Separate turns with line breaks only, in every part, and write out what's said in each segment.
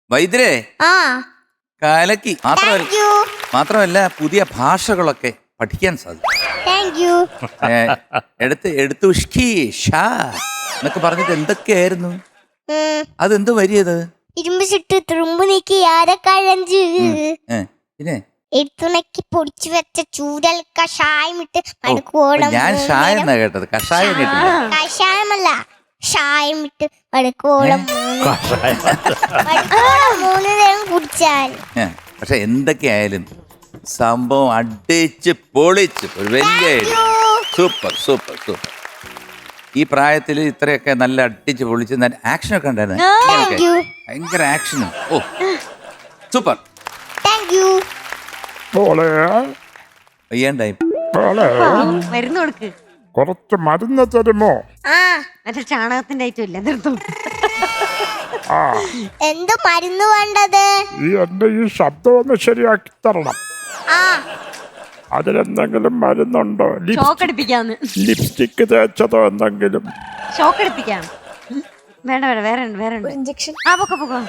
വൈദ്യരെ
ആ
കാലക്കി
thank you
മാത്രമല്ല പുതിയ ഭാഷകളൊക്കെ പഠിക്കാൻ സാധിക്കും.
താങ്ക് യു
എടുത്തു എന്നൊക്കെ പറഞ്ഞിട്ട് എന്തൊക്കെയായിരുന്നു അതെന്ത് വരിയത്?
ഇരുമ്പ് ചുട്ട് തുറുമ്പ് നീക്കി ആരക്കഴഞ്ച്
പിന്നെ
എടുത്തുണക്കി പൊടിച്ചു വെച്ച ചൂരൽ കഷായം ഇട്ട് മടുക്കോളം
ഞാൻ ഷായം എന്നാ കേട്ടത്, കഷായം കേട്ടില്ല.
കഷായമല്ല ഷായം ഇട്ട് മടുക്കോളം 3 നേരം കുടിച്ചാൽ.
പക്ഷെ എന്തൊക്കെയായാലും സംഭവം അടിച്ച് പൊളിച്ച് ഒരു വലിയ സൂപ്പർ സൂപ്പർ സൂപ്പർ. ഈ പ്രായത്തിൽ ഇത്രയൊക്കെ നല്ല അടിച്ച് പൊളിച്ച് ആക്ഷനൊക്കെ ഉണ്ടായിരുന്നു. ഭയങ്കര ആക്ഷനും. ഓ സൂപ്പർ.
Thank you.
വയ്യാണ്ടായി
മരുന്ന് കൊടുക്ക്.
കുറച്ച് മരുന്ന് തരുമോ?
മറ്റേ ചാണകത്തിന്റെ ഐറ്റം ഇല്ല, നിർത്തും.
എന്ത് മരുന്ന് വേണ്ടത്?
എന്റെ ഈ ശബ്ദം ഒന്ന് ശരിയാക്കി തരണം. അതിലെന്തെങ്കിലും മരുന്നുണ്ടോ?
ഷോക്ക് അടിപ്പിക്കാന്ന്.
ലിപ്സ്റ്റിക് തേച്ചതോ എന്തെങ്കിലും?
ഷോക്ക് അടിപ്പിക്കാം. വേണ്ട വേണ്ട, വേറെ വേറെ
ഇഞ്ചക്ഷൻ.
പൊക്കോ.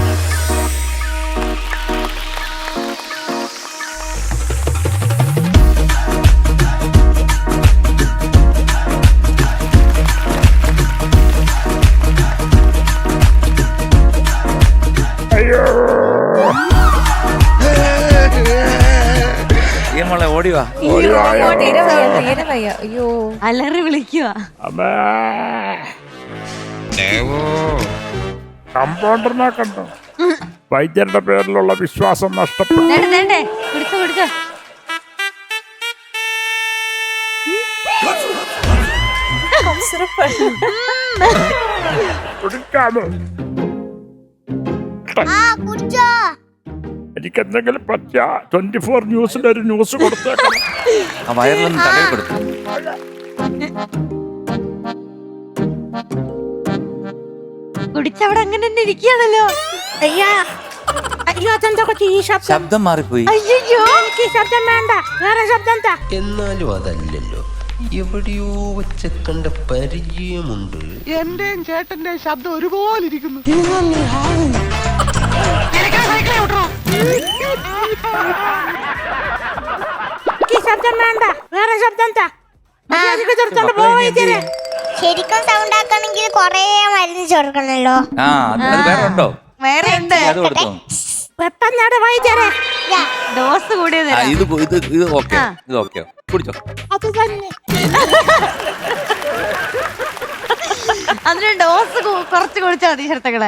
അയ്യോ
മോളെ ഓടിവാ.
അയ്യോ
അലറി വിളിക്കുക.
കമ്പൗണ്ടറിനെ കണ്ടോ? വൈദ്യരുടെ പേരിലുള്ള വിശ്വാസം നഷ്ടപ്പെട്ടു.
കുടിച്ചോ.
കുടിക്കാമോ?
കുടിച്ചോ.
എനിക്ക് എന്തെങ്കിലും പറ്റിയ 24 ന്യൂസിലൊരു ന്യൂസ് കൊടുത്തേക്കണം.
ആ വയറിലൊന്നും തടവി കൊടുത്തു.
കുടിച്ചവിടെ അങ്ങനെ തന്നെ ഇരിക്കുകയാണല്ലോ.
അയ്യോ അതെന്താ ഈ
ശബ്ദം മാറിപ്പോയി.
അയ്യോ
എനിക്ക് ശബ്ദം വേണ്ട, വേറെ ശബ്ദം എന്താ?
എന്നാലും അതല്ലല്ലോ, എവിടെയോ വെച്ച കണ്ട പരിചയമുണ്ട്.
എന്റെയും ചേട്ടന്റെ ശബ്ദം ഒരുപോലെ ഇരിക്കുന്നു.
ശബ്ദം വേണ്ട, വേറെ ശബ്ദം എന്താ?
ശരിക്കും സൗണ്ട് ആക്കണമെങ്കിൽ കൊറേ മരുന്ന് ചേർക്കണല്ലോ.
അത് വേറെ ഉണ്ടോ?
വേറെ ഉണ്ട്.
അത് കൊടുത്തോ?
പെട്ടെന്നാടെ വൈദ്യരെ
ഡോസ് കൂടിയത്.
ഇത് ഓക്കെ, ഇത് ഓക്കെ. കുടിച്ചോ.
അത് തന്നെ.
അതിന് ഡോസ് കുറച്ച് കുടിച്ചാൽ മതി ശരത്തകളെ.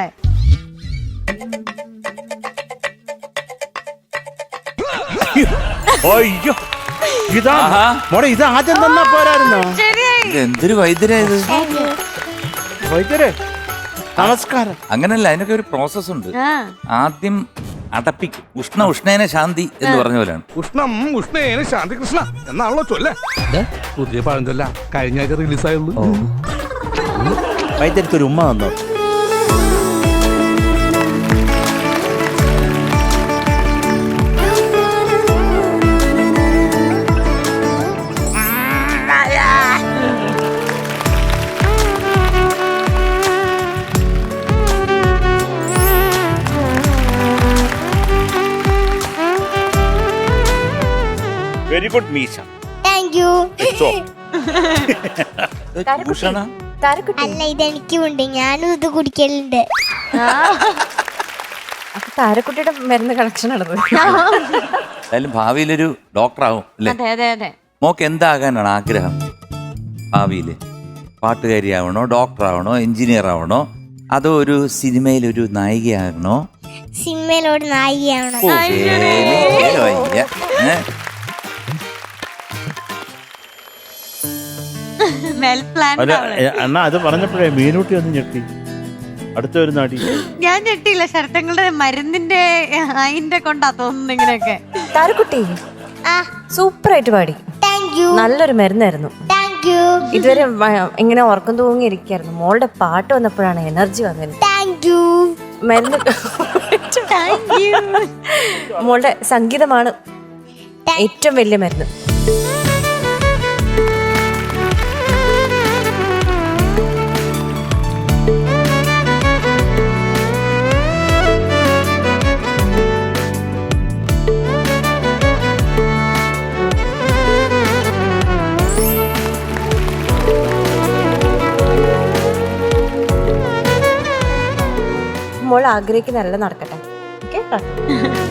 അയ്യോ ഇത് ആദ്യം തന്നാ പോരായിരുന്നോ?
എന്തൊരു വൈദ്യരായത്.
വൈദ്യരെ നമസ്കാരം.
അങ്ങനല്ല, അതിനൊക്കെ ഒരു പ്രോസസ് ഉണ്ട്. ആദ്യം അടപ്പിക്കും. ഉഷ്ണേന ശാന്തി എന്ന് പറഞ്ഞ പോലെയാണ്.
ഉഷ്ണം ഉഷ്ണേന ശാന്തി കൃഷ്ണ എന്നാണല്ലോ ചൊല്ലേ. പുതിയ പഴഞ്ചൊല്ല കഴിഞ്ഞ ആഴ്ച റിലീസായുള്ളൂ.
വൈദ്യർക്ക് ഒരു ഉമ്മ വന്നോ? വെരി ഗുഡ് മീശ.
Thank you. അല്ല, ഇതെനിക്കുണ്ട്, ഞാനും ഇത് കുടിക്കലുണ്ട്.
താരക്കുട്ടിയുടെ മരുന്ന് കളക്ഷൻ നടന്നു.
എന്തായാലും ഭാവിയിലൊരു ഡോക്ടറാവും അല്ലേ?
അതെ.
മോക്ക് എന്താകാനാണ് ആഗ്രഹം ഭാവിയില്? പാട്ടുകാരിയാവണോ, ഡോക്ടറാവണോ, എഞ്ചിനീയർ ആവണോ, അതോ ഒരു സിനിമയിലൊരു നായികയാകണോ?
സിനിമയിലോട് നായികയാവണം.
അണ്ണാ അത് പറഞ്ഞപ്പോഴേ മീനൂട്ടി ഒന്ന് ഞെട്ടി. അടുത്തൊരു നാടി
ഞാൻ ഞെട്ടിയില്ല. ശരത്തങ്ങളുടെ മരുന്നിന്റെ അതിന്റെ കൊണ്ടാ തോന്നുന്നു ഇങ്ങനെയൊക്കെ.
താരക്കുട്ടി സൂപ്പറായിട്ട് പാടി.
Thank you.
നല്ലൊരു മരുന്നായിരുന്നു.
Thank you.
ഇതുവരെ ഇങ്ങനെ ഉറക്കം തൂങ്ങിയിരിക്കായിരുന്നു. മോളുടെ പാട്ട് വന്നപ്പോഴാണ് എനർജി വന്നത്.
Thank you.
മരുന്ന് മോളുടെ സംഗീതമാണ് ഏറ്റവും വലിയ മരുന്ന്. ആഗ്രഹിക്കുന്നതെല്ലാം നടക്കട്ടെ. ഓക്കെ.